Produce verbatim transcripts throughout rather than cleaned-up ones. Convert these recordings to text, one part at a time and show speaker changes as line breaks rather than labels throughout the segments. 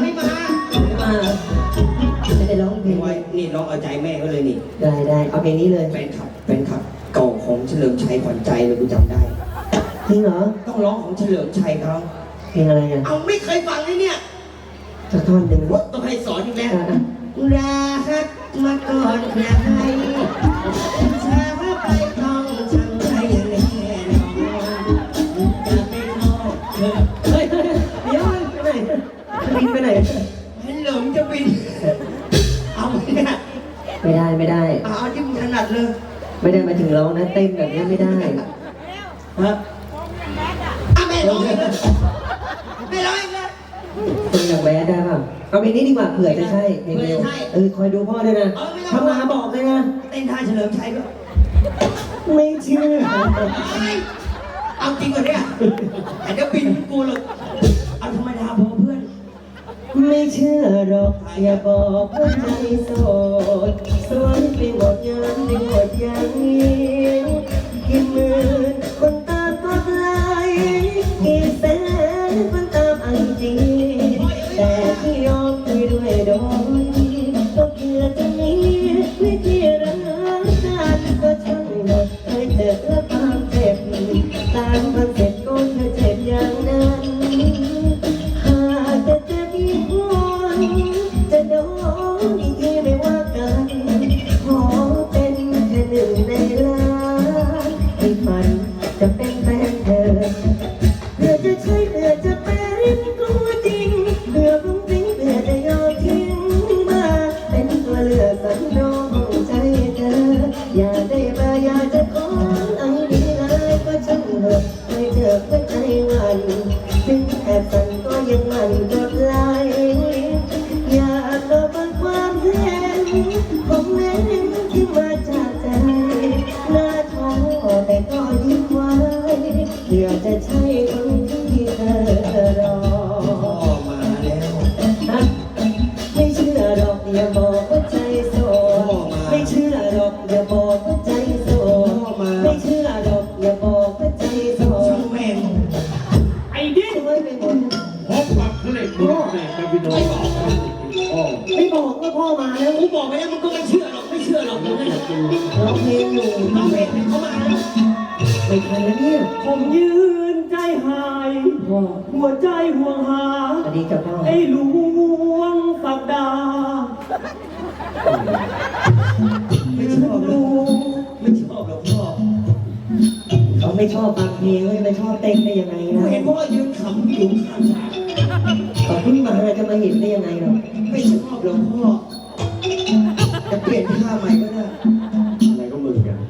ไม่มา
ไม่มาไม่ได้ร้องเพลง
ไว้นี่ร้องเอาใจแม่ก็เลยนี่
ได้ได้เอาเพลงนี้เลย
แฟนคลับแฟนคลับเก่าของเฉลิมชัยขวัญใจเลยกูจำได้
จริงเหรอ
ต้องร้องของเฉลิมชัยเขา
เพลงอะไรอ่ะ
เอาไม่เคยฟังเลยเนี่ย
สักท่อนหนึ่ง
ต้องให้สอนอีกแล้วรักมาก่อนใครชาไปต้องจำใจแน่นอนจะไม่ทอดเธอ
เฮ้ยเดี๋ยวไปไหนบินไปไหน
ให้เหลิมจะบินเอาเนี่ย
ไม่ได้ไม่ได้
เอาที่มึงถนัดเลย
ไม่ได้มาถึงร้องนะเต้นแบบนี้ไม่ได้
ฮะอ่ะแม่ร้องอีกเลยแม่ร้องอีกเลย
เป็นอย่างแบดได้ป่ะเอาเพลงนี้ดีกว่าเผื่อจะใช่เพลงเร็วเออคอยดูพ่อด้วยนะทำมาบอกเลยนะ
เต้นท่าเฉลิมชัยด้วย
ไม่เชื่อ
เอาจริงเหรอเนี่ยไอ้เดี๋ยวบินกูหรอกเอาธรรมดาพอเพื่อน
ไม่เชื่อหรอกอย่าบอกว่าใจโสดสวยไปหมดยันไปหมดอย่างนี้กี่หมื่นคนตามกดไลค์กี่แสนคนตามไอจีแต่ที่ยอมคุยด้วยโดยก็เพื่อจะมีวิธีรักกันก็ช่างหมดเคยเจอความเจ็บตามคอนเซ็ปต์ก็เธอเจ็บอย่างนั้นหากจะเจ็บอีกวันจะโดนอีกทีไม่ว่ากันขอเป็นแค่หนึ่งในล้านที่ฝันจะเป็นแฟนเธอเพื่อจะใช่เพื่อจะเป็นตัวจริงเพื่อพุ่งทิ้งเพื่อจะยอมทิ้งมาเป็นตัวเลือกสำรองของใจเธออย่าได้มาอย่าจะขอไอ้ดีเลยก็ช่างเถอะไม่เจอก็ใจวันถึงแอบสั่นก็ยังมันกดไลค์อยากลบความเห็นของแม่ที่มาจากใจหน้าท้อแต่ก็ยิ้มไว้เพื่อจะใช่คนที่เธอรอ
มาแล้ว
ไม่เชื่อหรอกอย่าบอกว่าใจโสดไม่เชื่อหรอกอย่าบอกว่าใจโสดไม่เชื่อหรอกอย่าบอกว่าใจโสด
แม่
ไอ้ดิ
ช่วยไปหมด
พบกับเพลงพ่อแม่กับพี่น้อง
ไม่บอกว่าพ่อมาแล้ว
กูบอกไปแล้วมึงก็ไม่เชื่อหรอกไม่เชื่อหรอกมึงไม่อยากกิน
ร้องเพลงอยู่
น้องเพลงเขามาแล้ว
ไม่ทันแล้วเนี่ย
ผมยืนใจหายหัวใจห่วงหา
สวัสดีกับพ่อ
ไอ้หลวงสักดา
ไม่ชอบหรอกไม่ชอบหรอกพ่อ
เขาไม่ชอบฟังเพลงเขาจะไม่ชอบเต้นได้ยังไงนะ
เห็นพ่อยืนขำอยู่ข้างฉาก
เขาเพิ่งมาจะมาเห็นได้ยังไงหรอ
ไม่ชอบหรอกพ่อจะเปลี่ยนท่าใหม่ก็ได้
อะไรก็มึงกัน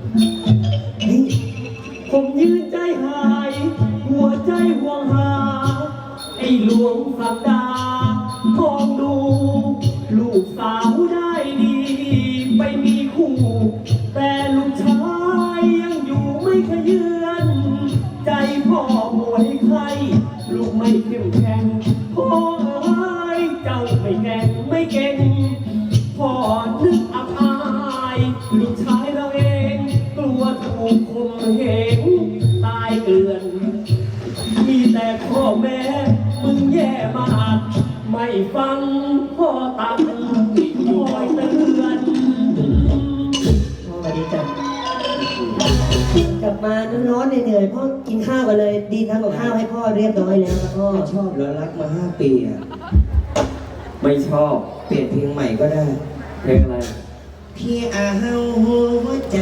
ผมยืนใจหายหัวใจห่วงหาไอ้หลวงสักดามองดูลูกสาวได้ดีไปมีคู่แต่ลูกชายยังอยู่ไม่ขยืนใจพ่อป่วยใครลูกไม่เข้มแข็งพ่อเอ้ยเจ้าไม่แก่งไม่เก่งพ่อนึกอับอายลูกชายเราเองกลัวถูกข่มเหงตายเกลื่อนมีแต่พ่อแม่มึงแย่มากไม่ฟังพ่อตักติดคอยเตือน
พ่อสวัสดีจ้ะกลับมาร้อนเหนื่อยพ่อกินข้าวกันเลยดีทำกับข้าวให้พ่อเรียบร้อยแล้วครับพ่อ
ไม่ชอบแล้วรักมาห้าปีอ่ะ
ไม่ชอบ
เปลี่ยนเพลงใหม่ก็ได้
เพลงอะไร
พี่อาเฮาหัวใจ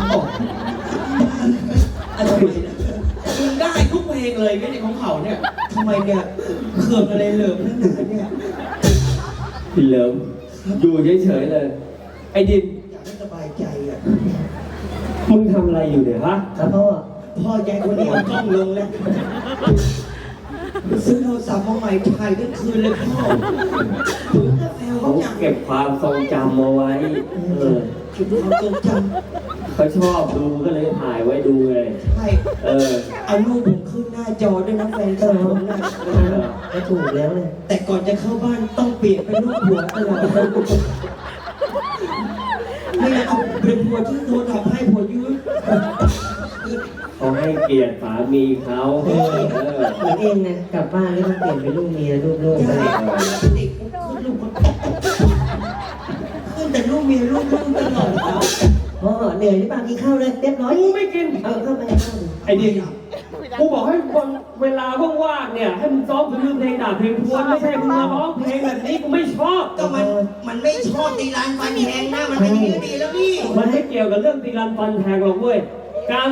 อะไรนะมึงได้ทุกเพลงเลยไม่ใช่ของเขาเนี่ยทำไมเนี่ยเขินอะไรเหลิมนั่นน่ะเนี่ย
พี่เหลิมอยู่เฉยๆเลยไอ้ดิน
อยากให้สบายใจอ่ะ
มึงทำอะไรอยู่เนี่ยฮะ
ครับพ่อ
พ่อแกคนนี้เอากล้องลงแล้วซื้อโทรศัพท์มาใหม่ถ่ายทั้งคืนเลยพ่อ
เขาเก็บความทรงจำมาไว้เออ
เก็บความทรงจ
ำเขาชอบดูก็เลยถ่ายไว้ดูเลย
ใช่
เออ
เอารูปผมขึ้นหน้าจอด้วยนะแฟนคลับผมนะ
ก็ถูกแล้วเลย
แต่ก่อนจะเข้าบ้านต้องเปลี่ยนเป็นรูปหัวตลอดไม่เอาเป็นหัวที่โทรทำให้หัวยืด
เขาให้เกียรติสามีเขาเออ
เหมือนเองนะกลับบ้านแล้วต้องเปลี่ยนเป็นลูกเมียลูกโลก
ใช่ติดกู
ลูกคน
ขึ้นแต่ลูกเมียลูกลูกตลอดครับ
พ่อเหนื่อยหรือเปล่ากินข้าวเลยเรียบร้อย
กูไม่กิน
เอาเข้าไปเข้าไป
ไอ้เด็กกูบอกให้คนเวลาว่างๆเนี่ยให้มึงซ้อมคือเพลงด่าเพลงทวนไม่ใช่มึงมาร้องเพลงแบบนี้กูไม่ชอบ
ก็มันมันไม่ชอบตีลานฟันแทงนะมันเป็นอย่างนี้ดีแล้วนี่
มันไม่เกี่ยวกับเรื่องตีรันฟันแทงหรอกเว้ยการ